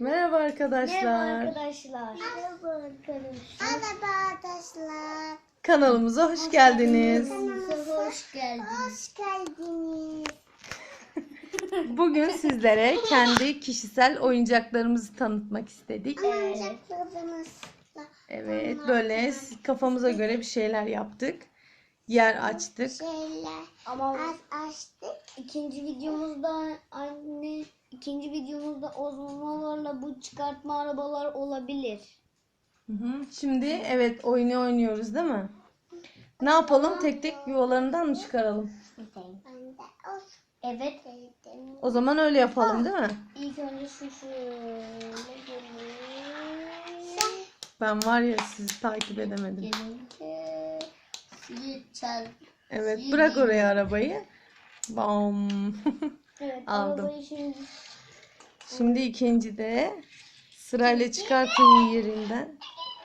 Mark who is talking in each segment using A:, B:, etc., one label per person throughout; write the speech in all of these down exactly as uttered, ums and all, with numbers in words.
A: Merhaba arkadaşlar.
B: Merhaba arkadaşlar. Merhaba arkadaşlar. Merhaba arkadaşlar.
A: Kanalımıza hoş, hoş geldiniz.
B: Kanalımıza hoş geldiniz. Hoş geldiniz.
A: Bugün sizlere kendi kişisel oyuncaklarımızı tanıtmak istedik.
B: Oyuncaklarımız.
A: Evet, böyle kafamıza göre bir şeyler yaptık. Yer açtık.
B: Şeyler. Ama açtık. İkinci videomuzda anne ikinci videomuzda ozmolarla bu çıkartma arabalar olabilir.
A: Hı hı. Şimdi evet oyunu oynuyoruz değil mi? Ne yapalım? Tek tek yuvalarından mı çıkaralım?
B: Evet.
A: O zaman öyle yapalım değil mi?
B: İlk önce şu şöyle gelin.
A: Ben var ya sizi takip edemedim.
B: Gelince sizi çal.
A: Evet, bırak oraya arabayı. Bam.
B: Evet,
A: Aldım.
B: arabayı şimdi.
A: Şimdi ikinci de sırayla çıkartın yerinden.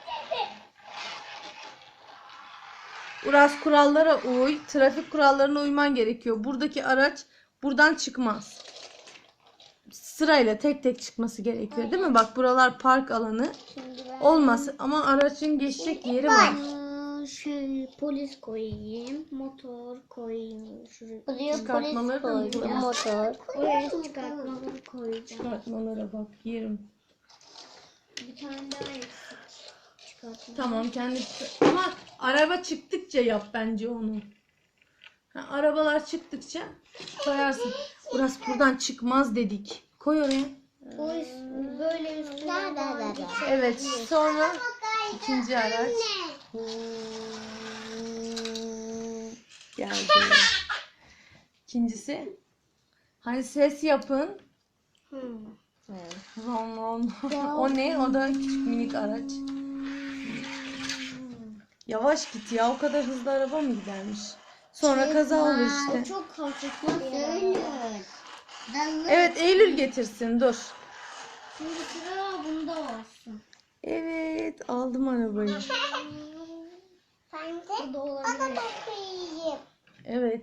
A: Uras, kurallara uy. Trafik kurallarına uyman gerekiyor. Buradaki araç buradan çıkmaz. Sırayla tek tek çıkması gerekiyor değil mi? Bak buralar park alanı. Olmaz ama aracın geçecek yeri var.
B: Şöyle polis koyayım, motor koyayım. Şuraya
A: Çıkartmaları da mı koyayım?
B: Motor. Oraya çıkartmaları koyacağım.
A: Çıkartmalara bak yerim.
B: Bir tane daha eksik. Çıkartma.
A: Tamam kendi ama araba çıktıkça yap bence onu. Ha, arabalar çıktıkça koyarsın. Burası buradan çıkmaz dedik. Koy oraya.
B: Polis böyle üstüne bağlı.
A: Evet sonra ikinci araç. Geldi. İkincisi. Hani ses yapın.
B: Hmm.
A: Evet. Ron ron. O ne? O da küçük minik araç. Yavaş git ya. O kadar hızlı araba mı gidermiş? Sonra kaza olur işte.
B: Çok hafif bir araba.
A: Evet Eylül getirsin. Dur.
B: Şimdi sıra bunda olsun.
A: Evet aldım arabayı.
B: Ben de ona da koyayım.
A: Evet.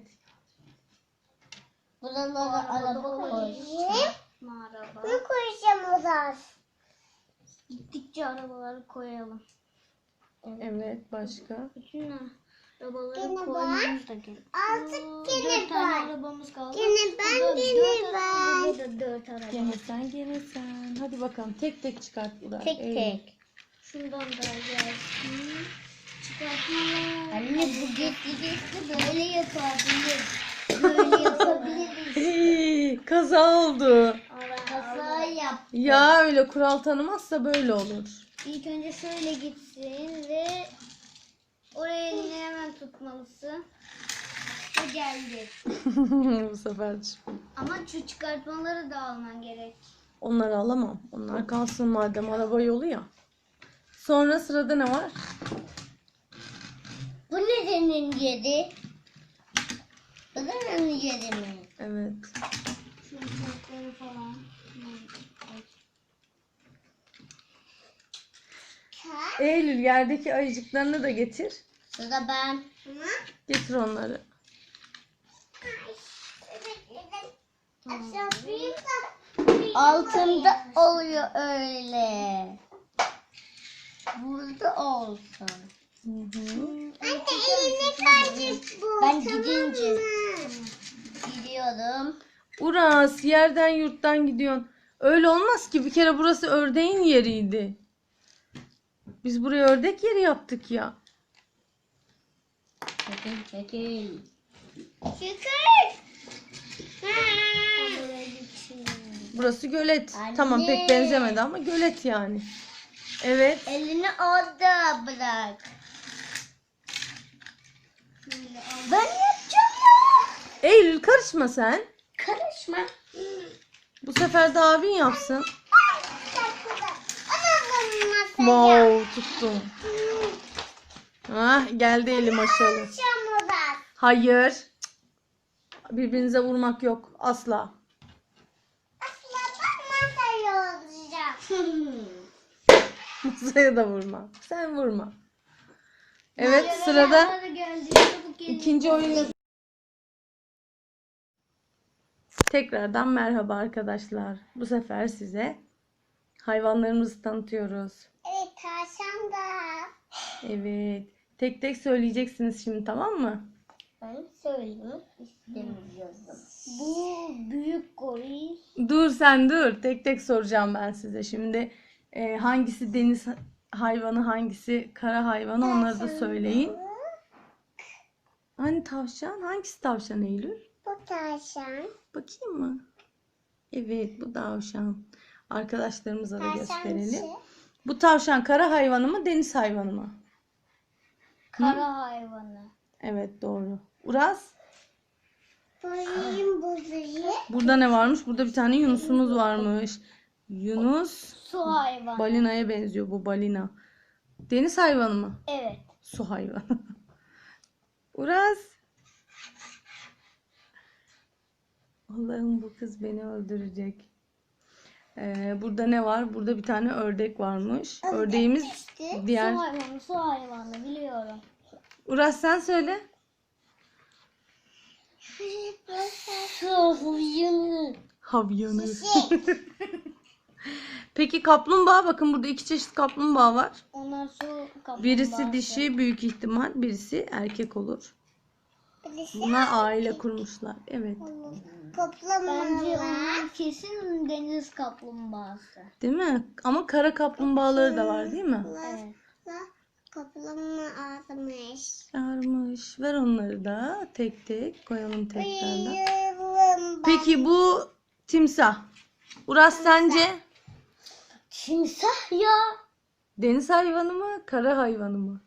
B: Buralara araba koyayım. Araba. Ne koyacağım oraya? Gittikçe arabaları koyalım.
A: Evet başka.
B: Bütün arabaları koymamız da gerekiyor.
C: Artık gene
B: Dört tane
C: ben.
B: arabamız kaldı.
C: Gene ben,
B: Burada
C: gene
B: dört
C: ben.
B: araba, burada da dört araba.
A: Gene sen gene sen. Hadi bakalım tek tek çıkart Burak.
B: Tek
A: Eylül.
B: tek. Şundan da gelsin. Çıkartmalar. Anne bu geçti geçti böyle yapabilir. Böyle yapabiliriz.
A: Hii, kaza oldu.
B: Kaza yap.
A: Ya öyle kural tanımazsa böyle olur.
B: İlk önce şöyle gitsin ve oraya elini hemen tutmalısın. Ve geldi.
A: Bu sefer çıktı.
B: Ama şu çıkartmaları da alman gerek.
A: Onları alamam. Onlar kalsın madem araba yolu ya. Sonra sırada ne var?
B: Bu nerenin yeri? Bu nerenin yeri mi?
A: Evet.
B: Şu çocukları falan.
A: Eylül yerdeki ayıcıklarını da getir.
B: Sıra ben.
A: Getir onları.
B: Altında oluyor öyle. Burada olsun.
A: Hı hı.
C: Anne eline kalacak bu.
B: Ben gidince gidiyorum.
A: Uras yerden yurttan gidiyorsun. Öyle olmaz ki bir kere burası ördeğin yeriydi. Biz buraya ördek yeri yaptık ya.
B: Çekil çekil.
C: Şükür.
A: Burası gölet.
B: Anne.
A: Tamam pek benzemedi ama gölet yani. Evet.
B: Elini orada bırak. Ben yapacağım ya.
A: Eylül karışma sen.
B: Karışma.
A: Bu sefer de abin yapsın.
C: Wow.
A: Wow tuttum. Ah geldi elim aşağı. Hayır. Birbirinize vurmak yok asla. Masaya da vurma. Sen vurma. Evet sırada ikinci oyun. Tekrardan merhaba arkadaşlar. Bu sefer size Hayvanlarımızı tanıtıyoruz.
C: Evet tavşan da.
A: Evet. Tek tek söyleyeceksiniz şimdi, tamam mı?
B: Ben söylemek istemiyorum. Bu büyük goril.
A: Dur sen dur. Tek tek soracağım ben size. Şimdi e, hangisi deniz hayvanı, hangisi kara hayvanı, onları da söyleyin. Hani tavşan? Hangisi tavşan Eylül?
C: Bu tavşan.
A: Bakayım mı? Evet, bu tavşan. Arkadaşlarımıza da
C: Tavşan
A: gösterelim.
C: dışı.
A: Bu tavşan kara hayvanı mı, deniz hayvanı mı?
B: Kara hayvanı.
A: Evet, doğru. Uras,
C: Boyayım bozuyu.
A: burada ne varmış? Burada bir tane yunusumuz varmış. Yunus
B: Su hayvanı.
A: balinaya benziyor, bu balina. Deniz hayvanı mı?
B: Evet.
A: Su hayvanı. Uras. Allah'ım, bu kız beni öldürecek. Ee, burada ne var? Burada bir tane ördek varmış. Ördeğimiz diğer...
B: Su hayvanı, su hayvanı biliyorum.
A: Uras sen söyle.
B: Su hayvanı.
A: Havyanı. Peki kaplumbağa, bakın burada iki çeşit kaplumbağa var.
B: Onlar su kaplumbağası.
A: Birisi dişi, büyük ihtimal birisi erkek olur.
C: Birisi
A: Bunlar aile kurmuşlar. Evet.
B: Bence
C: Kaplamalar.
B: onlar kesin deniz kaplumbağası.
A: Değil mi? Ama kara kaplumbağaları da var değil mi?
B: Evet.
C: Kaplama ağzımış.
A: Varmış. Ver onları da tek tek koyalım tekrardan.
C: Bayılım.
A: Peki bu timsah. Uras sence
B: Timsah ya.
A: deniz hayvanı mı, kara hayvanı mı?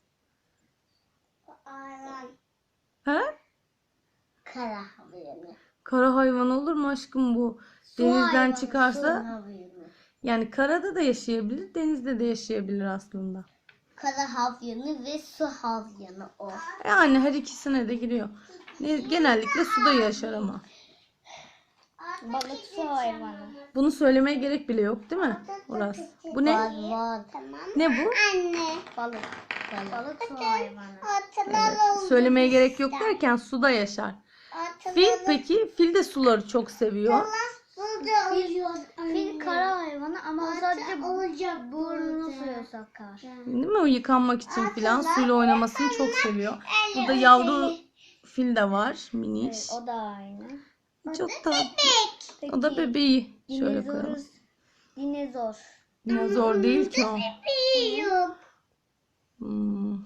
C: Ayran.
A: He?
B: Kara hayvanı.
A: Kara hayvan olur mu aşkım bu?
B: Su
A: Denizden
B: hayvanı,
A: çıkarsa
B: su hayvanı.
A: yani karada da yaşayabilir, denizde de yaşayabilir aslında.
B: Kara havyanı ve su havyanı o.
A: Yani her ikisine de giriyor. Ne- Genellikle suda yaşar ama.
B: Balık su hayvanı.
A: Bunu söylemeye gerek bile yok değil mi Uras? Bu ne?
B: Var var.
C: Tamam.
A: Ne bu?
C: Anne.
B: Balık. Balık, Balık su hayvanı.
C: Hatırlalım.
A: Söylemeye gerek yok derken suda yaşar. Fil peki? Fil de suları çok seviyor.
B: Fil, fil kara hayvanı ama sadece
C: olacak
B: burnunu suya sokar.
A: Değil mi? O yıkanmak için filan suyla oynamasını çok seviyor. Burada yavru fil de var. Miniş.
B: Evet, o da aynı.
A: Çok tatlı.
B: Peki,
A: O da bebeği. Şöyle
B: dinozor.
A: koyalım.
B: Dinozor.
A: Dinozor değil ki o.
C: Yok.
A: Hmm.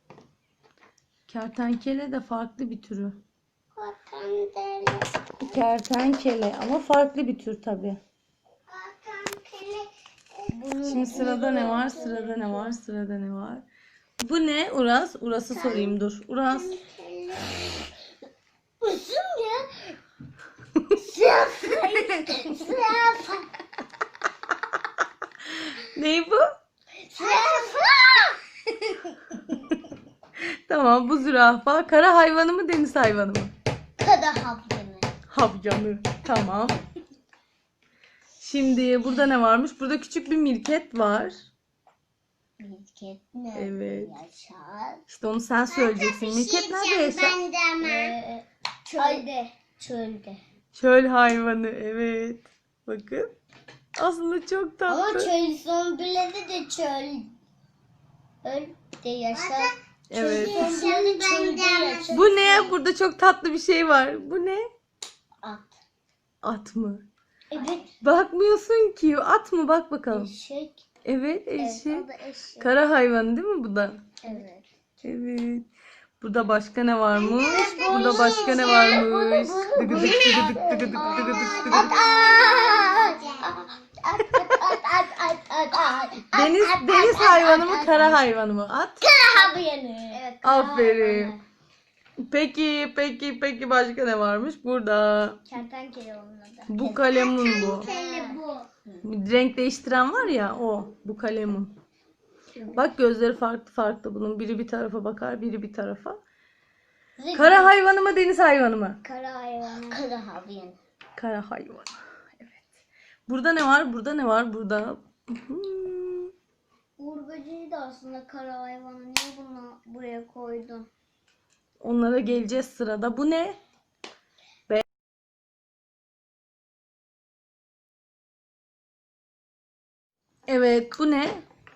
A: Kertenkele de farklı bir türü.
C: Vatandaşı.
A: Kertenkele ama farklı bir tür tabii.
C: Vatandaşı.
A: Şimdi sırada ne var? Sırada ne var? Sırada ne var? Bu ne? Uras. Uras'ı sorayım dur. Uras.
B: Uzun ya.
A: Ney bu? Tamam, bu zürafa. Kara hayvanı mı, deniz hayvanı mı?
B: Kara havyanı.
A: Havyanı. Tamam. Şimdi burada ne varmış? Burada küçük bir mirket var.
B: Mirket nerede
A: Evet.
B: yaşar?
A: İşte onu sen söyleyeceksin. Mirket nerede yaşar?
C: Ben de ama.
B: Ee, çölde. Çölde.
A: Çöl hayvanı. Evet. Bakın. Aslında çok
B: Ama
A: tatlı.
B: çöl zombileri de çöl. Öl de yaşar.
A: Evet.
B: Zombileri çölde yaşar.
A: Bu ne? Burada çok tatlı bir şey var. Bu ne?
B: At.
A: At mı?
B: Evet.
A: Bakmıyorsun ki. At mı? Bak bakalım.
B: Eşek.
A: Evet,
B: Evet,
A: eşek.
B: o da eşek.
A: Kara hayvanı değil mi bu da?
B: Evet.
A: Evet. Burada başka ne varmış? Burada başka ne varmış? Dıgıdık dıgıdık dıgıdık dıgıdık dıgıdık. Deniz deniz hayvanı mı, kara hayvanı mı? At.
B: Evet.
A: Aferin. Peki, peki, peki başka ne varmış? Burada.
B: Kertenkele onun adı.
A: Bu kalemun bu.
C: Hele bu.
A: Renk değiştiren var ya, o. Bu kalemun. Bak, gözleri farklı farklı bunun. Biri bir tarafa bakar, biri bir tarafa. Kara hayvanı mı, deniz hayvanı mı?
B: Kara hayvanı. Kara hayvanı.
A: Kara hayvanı. Evet. Burada ne var? Burada ne var? Burada. Hmm.
B: Uğur böceği de aslında kara hayvanı. Niye bunu buraya koydun?
A: Onlara geleceğiz sırada. Bu ne? Be- Evet, bu ne?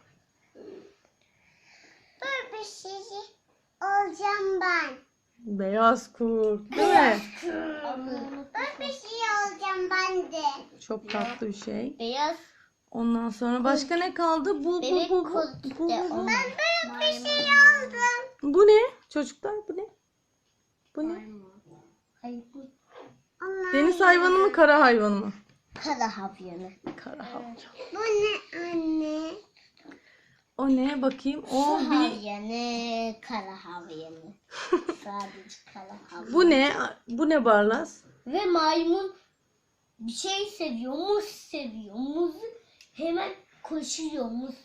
C: Böyle bir şey olacağım ben.
A: Beyaz kurt, değil mi?
C: Böyle bir şey olacağım ben de.
A: Çok tatlı bir şey.
B: Beyaz
A: Ondan sonra başka ne kaldı? Bu bu
B: bebek
A: bu bu.
B: kurt
A: Bu,
B: de
A: bu, bu.
B: onun.
C: Böyle bir şey oldum.
A: Bu ne? Çocuklar bu ne? Bu ne?
B: Hayır bu
C: Onlar-
A: Deniz hayvanı mı, kara hayvanı mı?
B: kara havyanı.
A: Kara hayvanı.
C: Bu ne anne?
A: O ne? Bakayım. O
B: Su
A: bir.
B: havyanı, kara havyanı. Sadece kara havyanı.
A: Bu ne? Bu ne Barlas?
B: Ve maymun bir şey seviyor, muz seviyor. Muz hemen koşuyor muz.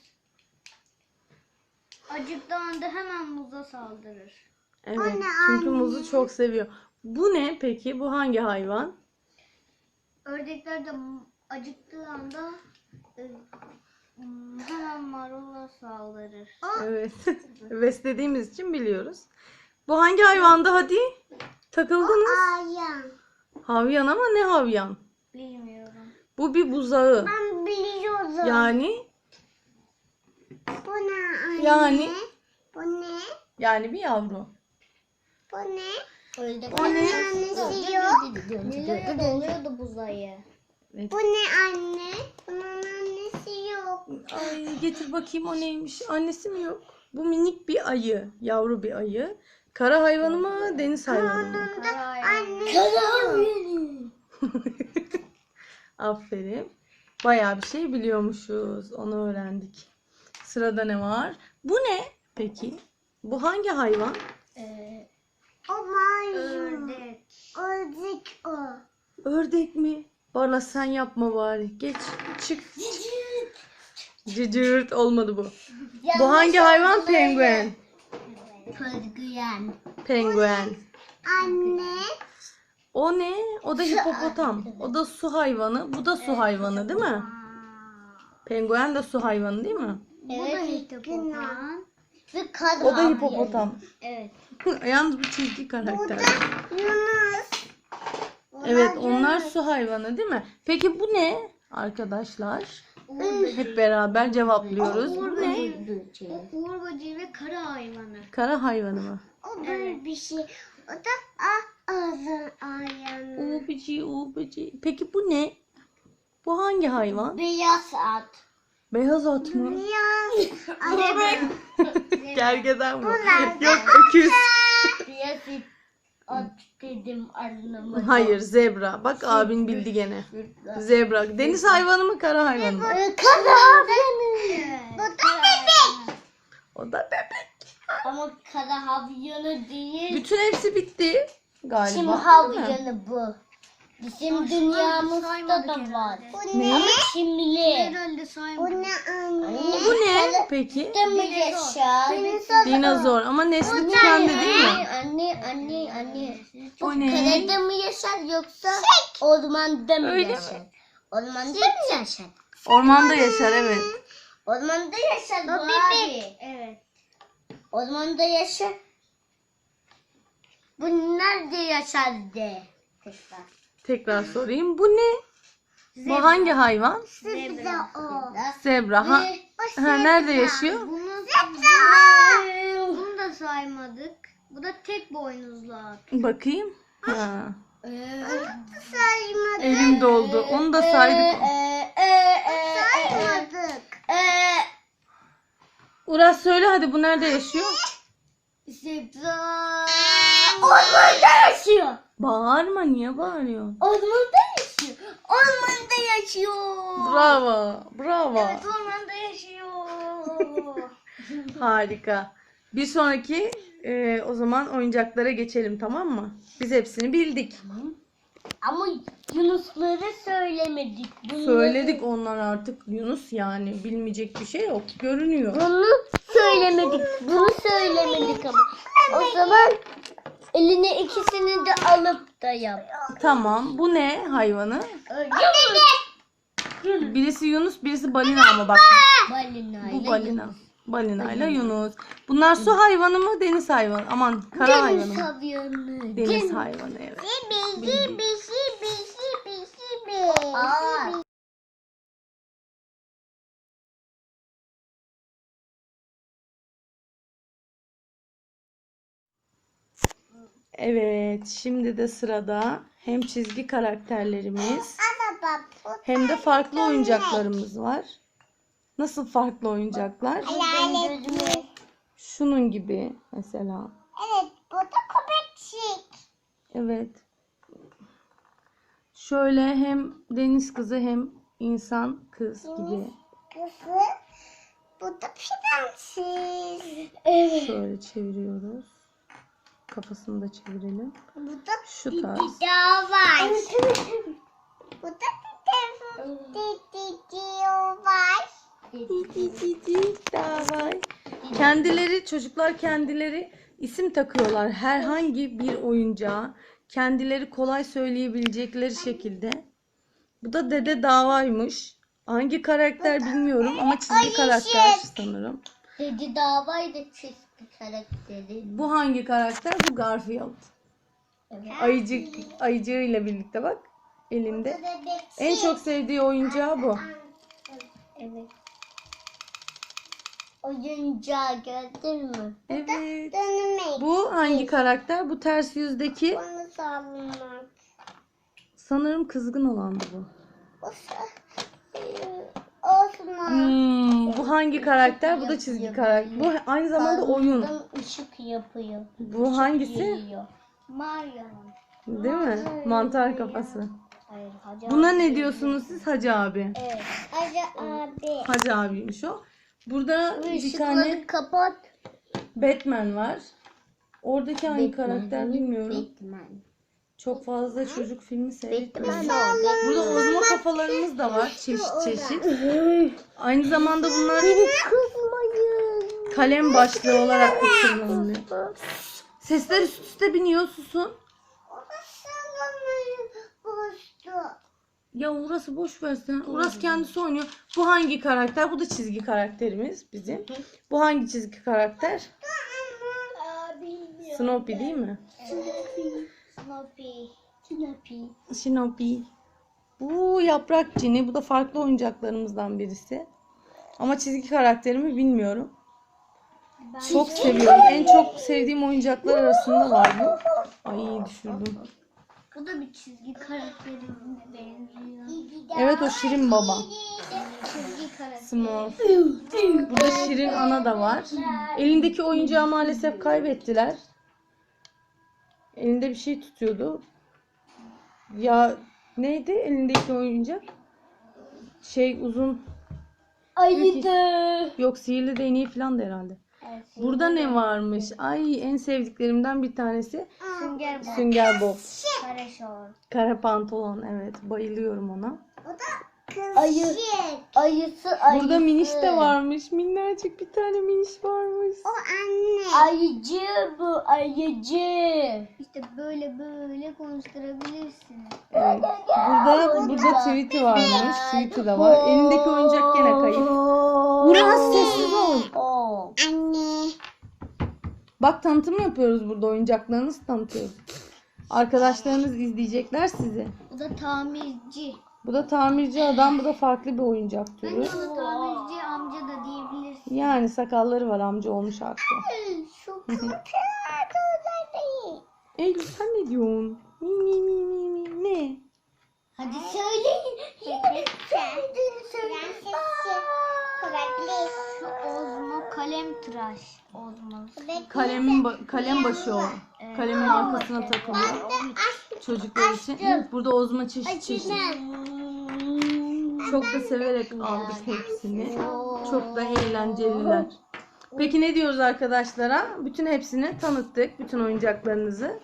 C: Acıktığında hemen muza saldırır.
A: Evet.
C: Anne,
A: Çünkü
C: anne.
A: muzu çok seviyor. Bu ne peki? Bu hangi hayvan?
C: Ördekler de acıktığı anda e, m, hemen marula saldırır.
A: Evet. Beslediğimiz için biliyoruz. Bu hangi hayvandı hadi? Takıldınız.
C: Ayan.
A: Havyan ama ne havyan?
C: Bilmiyorum.
A: Bu bir buzağı.
C: Ben biliyorum.
A: Yani
C: Bu ne anne?
A: Yani?
C: Bu ne?
A: yani bir yavru.
C: Bu ne?
B: Öyle
A: O ne?
C: Annesi yok.
B: Nereye oluyordu buzayı?
A: Evet.
C: Bu ne anne? Bunun annesi yok.
A: Ay getir bakayım o neymiş. Annesi mi yok? Bu minik bir ayı. Yavru bir ayı. Kara hayvanı mı? Deniz hayvanı mı?
C: Anne.
B: Kara havyanı.
A: Aferin. Bayağı bir şey biliyormuşuz. Onu öğrendik. Sırada ne var? Bu ne peki? Bu hangi hayvan?
B: Ee,
C: O maymun. Ördek. Ördek o.
A: Ördek mi? Barla sen yapma bari. Geç. Çık. Cıcırt olmadı bu. Bu hangi hayvan? Penguen.
B: Penguen.
A: Penguen.
C: Anne.
A: O ne? O da hipopotam. O da su hayvanı. Bu da su hayvanı değil mi? Penguen de su hayvanı değil mi?
B: Evet.
C: Hipopotam.
B: Ve kara
A: O da
B: havyanı.
A: hipopotam.
B: Evet.
A: Yalnız bu çizgi
C: Bu
A: karakter.
C: da Yunus.
A: Evet, onlar su hayvanı değil mi? Peki bu ne arkadaşlar? Hep beraber cevaplıyoruz. Bu ne?
C: O uğur böceği ve kara hayvanı.
A: Kara hayvanı mı?
C: O böyle bir şey. O da a ağzın ayağını.
A: Uğur böceği, uğur böceği. Peki bu ne? Bu hangi hayvan?
B: Beyaz at.
A: Beyaz at mı?
C: Yaz.
A: Gergedan mı?
C: Bunlar da-
A: Yok, öküz.
B: Beyaz at dedim anlamadım.
A: Hayır, zebra. Bak abin bildi gene. Zebra. Deniz hayvanı mı, kara hayvanı mı?
B: Ee, Kara havyanı.
C: Bu da bebek.
A: O da bebek.
B: Ama kara havyanı değil.
A: Bütün hepsi bitti galiba.
B: Çim
A: değil mi?
B: havyanı bu. Bizim dünyamızda da var.
C: Bu
A: Ne?
C: ne?
B: Çimli.
C: Bu ne anne?
A: Bu ne peki?
B: De mi yaşar?
A: Dinozor ama nesli tükendi değil mi?
B: Anne, anne, anne. Bu
A: O ne?
B: karada mı yaşar yoksa ormanda mı
A: Öyle mi?
B: yaşar? Ormanda mı yaşar?
A: Ormanda yaşar evet.
B: Ormanda yaşar bu abi.
C: Evet.
B: Ormanda yaşar. Bu nerede yaşar de? Tekrar.
A: Tekrar sorayım. Bu ne? Bu hangi hayvan?
C: Zebra o.
A: Zebra. Ha,
C: O
A: ha, nerede
C: zebra.
A: yaşıyor?
C: Bunu, bunu, bunu da saymadık. Bu da tek boynuzlu at.
A: Bakayım. Ha.
C: Onu da saymadık.
A: Elim doldu. Onu da saydık.
B: Ee, e, e,
C: Saymadık.
B: e, e.
A: Uras söyle hadi, bu nerede yaşıyor?
C: Zebra.
B: Ormanda yaşıyor.
A: Bağırma, niye bağırıyorsun?
B: Ormanda yaşıyor. Ormanda yaşıyor.
A: Bravo. Bravo.
C: Evet, ormanda yaşıyor.
A: Harika. Bir sonraki e, o zaman oyuncaklara geçelim, tamam mı? Biz hepsini bildik.
B: Ama Yunusları söylemedik. Bunları-
A: Söyledik, onlar artık Yunus, yani bilmeyecek bir şey yok. Görünüyor.
B: Bunu söylemedik. Bunu söylemedik ama. O zaman eline ikisini de alıp da yap.
A: Tamam. Bu ne hayvanı?
B: Yunus.
A: Birisi Yunus, birisi balina ama bak.
B: Balinayla.
A: Bu balina. Balinayla Yunus. Bunlar su hayvanı mı, deniz hayvanı? Aman, kara hayvanı
B: Deniz
A: mı?
B: hayvanı.
A: Deniz hayvanı, evet.
C: Gibi gibi gibi gibi gibi.
B: Aa,
A: Evet, şimdi de sırada hem çizgi karakterlerimiz hem de farklı oyuncaklarımız var. Nasıl farklı oyuncaklar?
B: Gözüme.
A: Şunun gibi mesela.
B: Evet, bu da köpekçik.
A: Evet. Şöyle hem deniz kızı hem insan kız gibi.
B: Kızı. Bu da prenses. Evet.
A: Şöyle çeviriyoruz. Kafasını da çevirelim.
B: Bu da
A: Şu tarz.
B: daha var. Evet, evet, evet. Bu da var.
A: Davay. Kendileri çocuklar kendileri isim takıyorlar. Herhangi bir oyuncağa kendileri kolay söyleyebilecekleri şekilde. Bu da Dede Davaymış. Hangi karakter bilmiyorum ama çizgi karakter sanırım.
B: Dedi davaydı çizgi karakteri.
A: Bu hangi karakter? Bu Garfield.
B: Evet.
A: Ayıcık, ayıcığıyla birlikte bak elinde. En çok sevdiği oyuncağı bu.
B: Evet. Oyuncağı gördün mü?
A: Evet.
B: Dönmek.
A: Bu hangi karakter? Bu ters yüzdeki
B: Onu savunmak.
A: sanırım kızgın olandı bu.
B: Osman.
A: Hmm, bu hangi karakter? Bu da çizgi karakter. Bu aynı zamanda oyun.
B: Işık yapıyor.
A: Bu hangisi?
B: Geliyor.
C: Marya'nın.
A: Değil mi? Mantar kafası.
B: Hayır, Hacı
A: Buna
B: abi.
A: ne diyorsunuz siz Hacı abi?
B: Evet. Hacı abi.
A: Hacı abiymiş o. Burada bir
B: Işıkları
A: tane
B: kapat.
A: Batman var. Oradaki hangi
B: Batman,
A: karakter
B: evet,
A: bilmiyorum.
B: Batman.
A: Çok fazla çocuk filmi seyretmiyorum.
B: Batman o.
A: Burada ozma kafalarımız da var çeşit çeşit. Aynı zamanda bunlar
B: Kızmayın.
A: kalem başlığı olarak da kullanılıyor. Sesler üst üste biniyor, susun. Ya orası boş versen. Orası kendisi oynuyor. Bu hangi karakter? Bu da çizgi karakterimiz bizim. Bu hangi çizgi karakter? Snoopy değil mi?
B: Snoopy. Snoopy.
A: Snoopy. Bu yaprak cini. Bu da farklı oyuncaklarımızdan birisi. Ama çizgi karakterimi bilmiyorum. Çok seviyorum. En çok sevdiğim oyuncaklar arasında var bu. Ay düşürdüm.
C: Bu da bir çizgi karakterine benziyor.
A: Evet o Şirin Baba.
C: Çizgi karakter.
A: Smurf. Burada Şirin Ana da var. Elindeki oyuncağı maalesef kaybettiler. Elinde bir şey tutuyordu. Ya neydi elindeki oyuncak? Şey uzun.
B: Ayıdı.
A: Yok sihirli değneği falan da herhalde. Burada ne varmış? Ay en sevdiklerimden bir tanesi.
C: Sünger Bob.
A: Sünger Bob.
C: Kare şort.
A: Kara pantolon evet bayılıyorum ona.
B: Ayı. Ayısı ayısı.
A: Burada miniş de varmış. Minnacık bir tane miniş varmış.
B: Ayıcı bu ayıcı.
C: İşte böyle böyle konuşturabilirsin.
A: Evet. Burada burada Tweety varmış. Tweety de var. Elindeki oyuncak gene kayıp. Uras sessiz ol.
B: Oo. Anne.
A: Bak tanıtım yapıyoruz burada. Oyuncaklarınızı tanıtıyoruz. Arkadaşlarınız izleyecekler sizi.
C: Bu da tamirci.
A: Bu da tamirci adam. Bu da farklı bir oyuncak türü.
C: Bence ona tamirci amca da diyebilirsin.
A: Yani sakalları var amca olmuş artık.
B: Şu kötü
A: Eylül sen ne diyorsun? Mi mi mi mi mi ne?
B: Hadi söyleyin. Yine söylediğini söyleyin.
C: Şu Ozmo kalem tıraş. Ozmo.
A: Kalemin ba- kalem başı o. Kalemin arkasına takılıyor. Çocuklar için. Burada ozma çeşit çeşit. Çok da severek aldık hepsini. Çok da eğlenceliler. Peki ne diyoruz arkadaşlara? Bütün hepsini tanıttık. Bütün oyuncaklarınızı.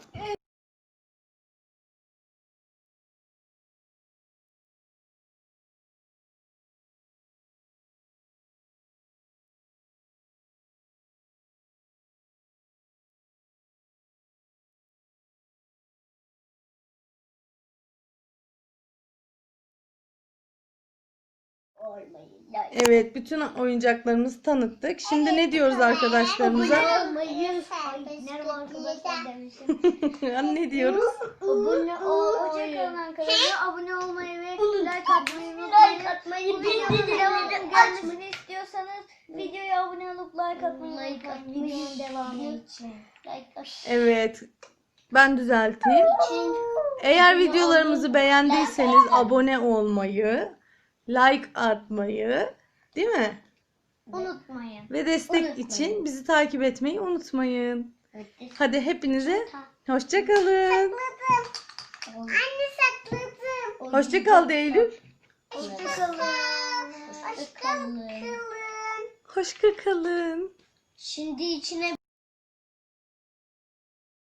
A: Evet, bütün oyuncaklarımızı tanıttık. Şimdi ne diyoruz arkadaşlarımıza?
B: olmayı.
C: Merhaba arkadaşlar demişim.
A: Ne diyoruz?
B: Abone
C: Hoşçakalın
B: olmayı.
C: arkadaşlar. Abone olmayı ve like atmayı unutmayın.
B: Like atmayı
C: Bu videonun
B: bildirimleri
C: devamının
B: açmayı.
C: gelmesini istiyorsanız videoya abone olup like atmayı
B: Like
C: unutmayın.
B: atmayı.
C: Videonun devamı için.
B: Like at.
A: Evet. Ben düzelteyim. Eğer videolarımızı beğendiyseniz abone olmayı, like atmayı, değil mi?
C: Unutmayın.
A: Ve destek için bizi takip etmeyi unutmayın. Hadi hepinize hoşça kalın.
C: Anne sakladım.
A: Hoşça kal de Eylül.
C: Hoşçakalın.
B: Hoşçakalın.
A: Hoşça kalın.
B: Şimdi içine